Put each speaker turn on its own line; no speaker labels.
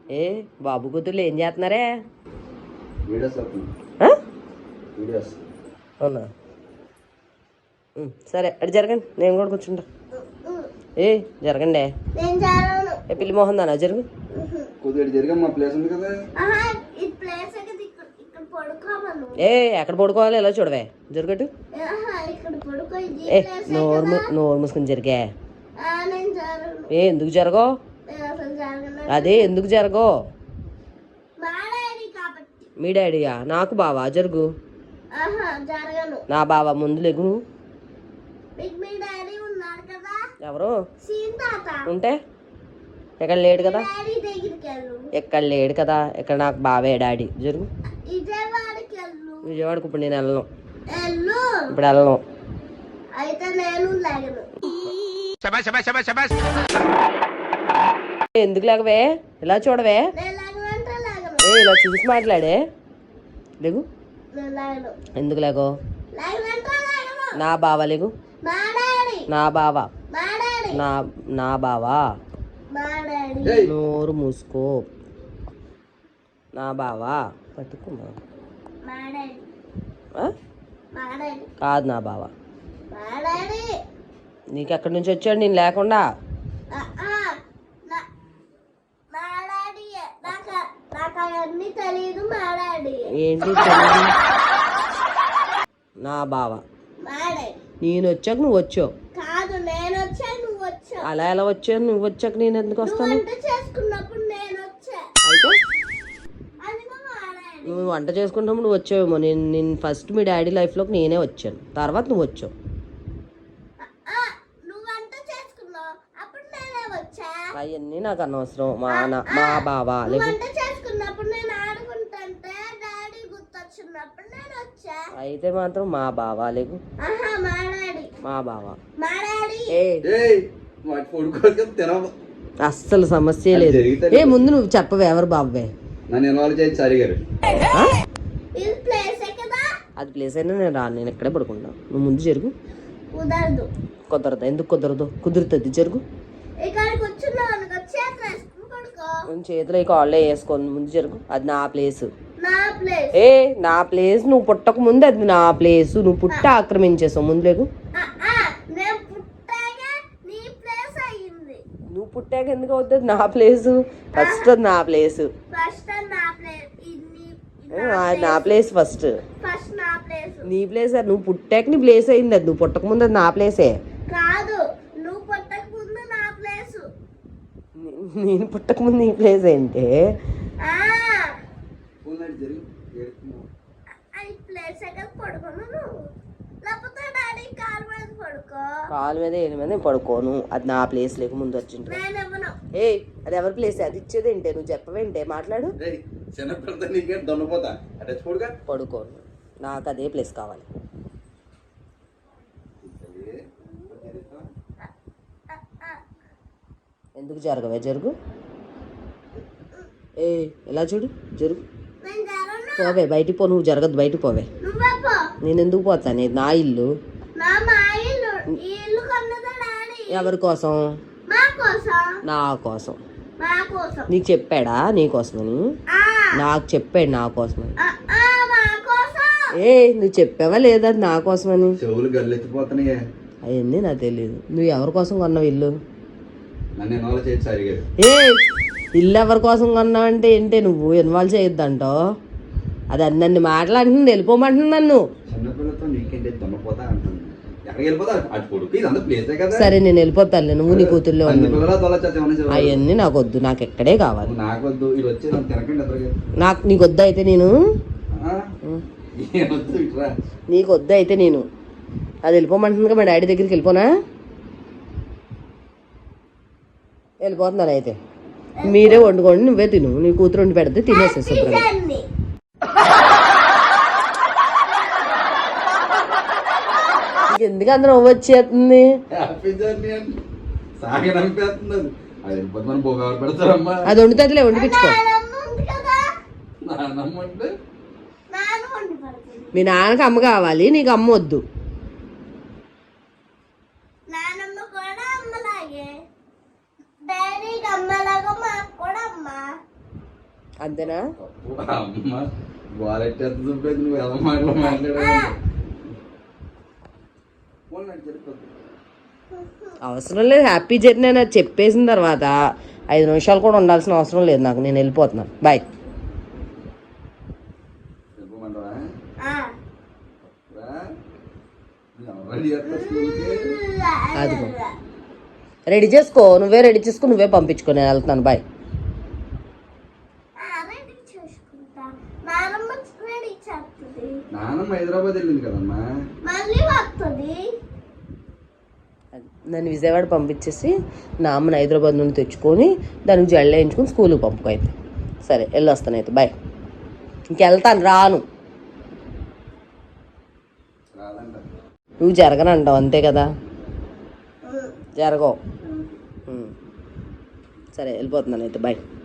ఏ బాబు కూతుర్లు ఏం చేస్తున్నారే? అవునా, సరే అటు జరగండి, నేను కూడా కూర్చుంటా. ఏ జరగండి, పిల్లి మోహన్ దానా జరుగు. ఏ ఎక్కడ పడుకోవాలి? ఎలా చూడవే, జరగటు. ఏ నోరు మూసుకుని జరిగా. ఏ ఎందుకు జరగో? అదే ఎందుకు జరగో? మీ డాడీయా? నాకు బావా? జరుగు. నా బావా ముందు లేగు. ఎవరు ఉంటే ఎక్కడ లేడు కదా, ఎక్కడ లేడు కదా, ఇక్కడ నాకు బావే డాడీ. జరుగు. విజయవాడకు ఇప్పుడు నేను వెళ్ళను, ఇప్పుడు వెళ్ళను. ఎందుకు లేకవే? ఇలా చూడవే, ఇలా చూసి మాట్లాడే. లేగు. ఎందుకు లేకో? నా బావా లేగు. నా బావా, నా బావా నోరు మూసుకో. నా బావా పట్టుకున్నా కాదు, నా బావా. నీకెక్కడి నుంచి వచ్చాడు నేను లేకుండా? ఏంటి నా బావా? నేను వచ్చాక నువ్వు వచ్చావు. అలా ఎలా వచ్చావు? నువ్వు వచ్చాక నేను ఎందుకు వస్తాను? అయితే నువ్వు వంట చేసుకుంటాము, నువ్వు వచ్చావేమో. నేను ఫస్ట్ మీ డాడీ లైఫ్లోకి నేనే వచ్చాను, తర్వాత నువ్వు వచ్చావు. అవన్నీ నాకు అనవసరం. మా బావా అయితే మాత్రం మా బావా లేకు. మా బావా అస్సలు సమస్య లేదు. ఏ ముందు నువ్వు చెప్పవే, ఎవరు బాబే? అది ప్లేస్ అయినా నేను రాను, నేను ఎక్కడే పడుకుంటా. నువ్వు ముందు జరుగు. కుదరదు. ఎందుకు కుదరదు? కుదురుతుంది, జరుగు. చేతిలో ఈ కాళ్ళే వేసుకోండి, ముందు జరుగు. అది నా ప్లేస్. ఏ నా ప్లేస్, నువ్వు పుట్టక ముందు అది నా ప్లేస్. నువ్వు పుట్ట ఆక్రమించేసావు. ముందు లేకు. నువ్వు పుట్టాక ఎందుకు అవుతుంది నా ప్లేస్? ఫస్ట్ అది నా ప్లేస్. నా ప్లేస్ ఫస్ట్. నీ ప్లేస్. నువ్వు పుట్టాక నీ ప్లేస్ అయింది. అది నువ్వు పుట్టక ముందు అది నా ప్లేసే. నేను పుట్టక ముందు నీ ప్లేస్ ఏంటి? కాలు మీద ఏళ్ళ మీద పడుకోను. అది నా ప్లేస్ లేక ముందు వచ్చింది. ఏ అది ఎవరి ప్లేస్? అది ఇచ్చేది ఏంటే? నువ్వు చెప్పవేంటే? మాట్లాడు. పడుకోను, నాకు అదే ప్లేస్ కావాలి. ఎందుకు జరగవే? జరుగు. ఏ ఇలా చూడు, జరుగు. పోవే బయటికి పో. నువ్వు జరగదు, బయటికి పోవే. నేను ఎందుకు పోతాను? ఇది నా ఇల్లు. ఎవరి కోసం? నా కోసం. నీకు చెప్పాడా నీ కోసమని? నాకు చెప్పాడు నా కోసమని. ఏ నువ్వు చెప్పావా లేదా నా కోసమని? అవన్నీ నాకు తెలియదు. నువ్వు ఎవరి కోసం కొన్నావు ఇల్లు? ఏ ఇల్లు ఎవరి కోసం కొన్నావు అంటే ఏంటి? నువ్వు ఇన్వాల్వ్ చేయొద్దంటావు. అది అన్నీ మాట్లాడుతుంది, వెళ్ళిపోమంటుంది నన్ను. సరే నేను వెళ్ళిపోతాను. నువ్వు నీ కూతుర్లో అవన్నీ నాకు వద్దు, నాకు ఎక్కడే కావాలి. నాకు నీకు వద్దు అయితే నేను నీకు వద్దు అయితే నేను అది వెళ్ళిపోమంటుందిగా మా డాడీ దగ్గరికి. వెళ్ళిపోనా? వెళ్ళిపోతున్నాను అయితే. మీరే వండుకోండి, నువ్వే తిను. నీ కూతురు వండి పెడితే తినేసే శుభ్రంగా. ఎందుకు అందరూ వచ్చేస్తుంది? అది వండుతుందిలే, వండిపించుకో. మీ నాన్నకి అమ్మ కావాలి, నీకు అమ్మ వద్దు. అంతేనా?
అమ్మ గోలెట్టేది చూపేది నువ్వు ఎలా మాట్లాడాలి.
అవసరం లేదు, హ్యాపీ జర్నీ అని చెప్పేసిన తర్వాత 5 నిమిషాలు కూడా ఉండాల్సిన అవసరం లేదు నాకు. నేను వెళ్ళిపోతున్నాను, బాయ్. అదిగో రెడీ చేసుకో, నువ్వే రెడీ చేసుకో, నువ్వే పంపించుకో, నేను వెళ్తున్నాను, బాయ్.
నానమ్మ హైదరాబాద్ వెళ్ళింది కదమ్మా.
నన్ను విజయవాడ పంపించేసి నా అమ్మని హైదరాబాద్ నుండి తెచ్చుకొని దానికి జల్లు వేయించుకొని స్కూల్కి పంపుకో. అయితే సరే, వెళ్ళొస్తాను అయితే, బాయ్. ఇంకెళ్తాను, రాను. నువ్వు జరగనంటావు అంతే కదా, జరగవు. సరే వెళ్ళిపోతున్నాను అయితే, బాయ్.